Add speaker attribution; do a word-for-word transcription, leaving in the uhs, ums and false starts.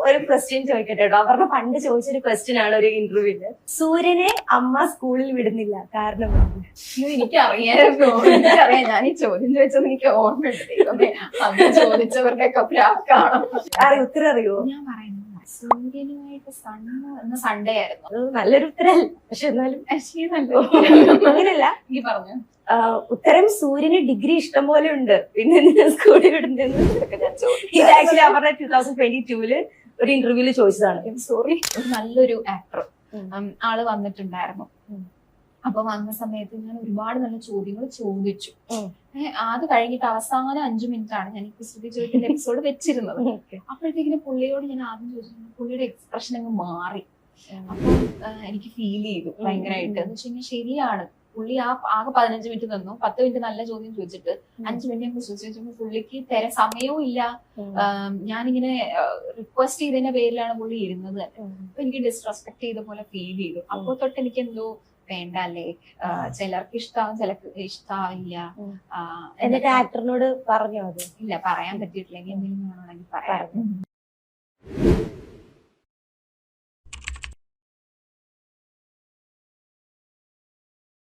Speaker 1: ഒരു ക്വസ്റ്റ്യൻ ചോദിക്കട്ടെ കേട്ടോ. അവരുടെ പണ്ട് ചോദിച്ചൊരു ക്വസ്റ്റ്യൻ ആണ് ഒരു ഇന്റർവ്യൂല്. സൂര്യനെ അമ്മ സ്കൂളിൽ വിടുന്നില്ല കാരണം എന്ത്?
Speaker 2: എനിക്ക് അറിയാമായിരുന്നു, എനിക്കറിയാം. ഞാൻ ഈ ചോദ്യം ചോദിച്ചത് എനിക്ക് ഓർമ്മയുണ്ട്. അന്ന് ചോദിച്ചവരുടെ ഒക്കെ പ്രാക്കാണോ
Speaker 1: അറിയോ? ഉത്തരം അറിയോ?
Speaker 2: ഞാൻ പറയുന്നത് സൂര്യനുമായിട്ട് സണ്ണ് എന്ന സൺഡേ ആയിരുന്നു.
Speaker 1: അത് നല്ലൊരു ഉത്തരല്ല, പക്ഷെ എന്നാലും അങ്ങനെയല്ല.
Speaker 2: നീ പറഞ്ഞു
Speaker 1: ഉത്തരം സൂര്യന് ഡിഗ്രി ഇഷ്ടം പോലെ ഉണ്ട്, പിന്നെ എന്തിനാ സ്കൂളിൽ വിടുന്നതെന്ന് ഇത് ആക്ച്വലി അവരുടെ ടൂ തൗസൻഡ് ട്വന്റി ടൂല് ഒരു ഇന്റർവ്യൂല് ചോദിച്ചതാണ്.
Speaker 2: സോറി. ഒരു നല്ലൊരു ആക്ടർ ആള് വന്നിട്ടുണ്ടായിരുന്നു. അപ്പൊ വന്ന സമയത്ത് ഞാൻ ഒരുപാട് നല്ല ചോദ്യങ്ങൾ ചോദിച്ചു. അത് കഴിഞ്ഞിട്ട് അവസാനം അഞ്ചു മിനിറ്റ് ആണ് ഞാൻ ഈ കുസൃതി ചോദ്യത്തിന്റെ എപ്പിസോഡ് വെച്ചിരുന്നത്. അപ്പോഴത്തേക്കിനും പുള്ളിയോട് ഞാൻ ആദ്യം ചോദിച്ചു, പുള്ളിയുടെ എക്സ്പ്രഷൻ അങ്ങ് മാറി. അപ്പൊ എനിക്ക് ഫീൽ ചെയ്തു ഭയങ്കരമായിട്ട്. എന്ന് വെച്ച് കഴിഞ്ഞാൽ ശരിയാണ്, പുള്ളി ആ ആകെ പതിനഞ്ച് മിനിറ്റ് തന്നു. പത്ത് മിനിറ്റ് നല്ല ചോദ്യം ചോദിച്ചിട്ട് അഞ്ചു മിനിറ്റ് ഞങ്ങൾ ചോദിച്ചു. പുള്ളിക്ക് തര സമയവും ഇല്ല. ഞാനിങ്ങനെ റിക്വസ്റ്റ് ചെയ്തതിന്റെ പേരിലാണ് പുള്ളി ഇരുന്നത്. അപ്പൊ എനിക്ക് ഡിസ്റെസ്പെക്ട് ചെയ്ത പോലെ ഫീൽ ചെയ്തു. അപ്പൊ തൊട്ട് എനിക്ക് എന്തോ വേണ്ട അല്ലേ, ചിലർക്ക് ഇഷ്ടാവും ചിലർക്ക് ഇഷ്ടാവില്ല.
Speaker 1: എന്നിട്ട് ആക്ടറിനോട് പറഞ്ഞോ? അത്
Speaker 2: ഇല്ല, പറയാൻ പറ്റിയിട്ടില്ല. എന്തെങ്കിലും വേണമെങ്കിൽ പറയാം.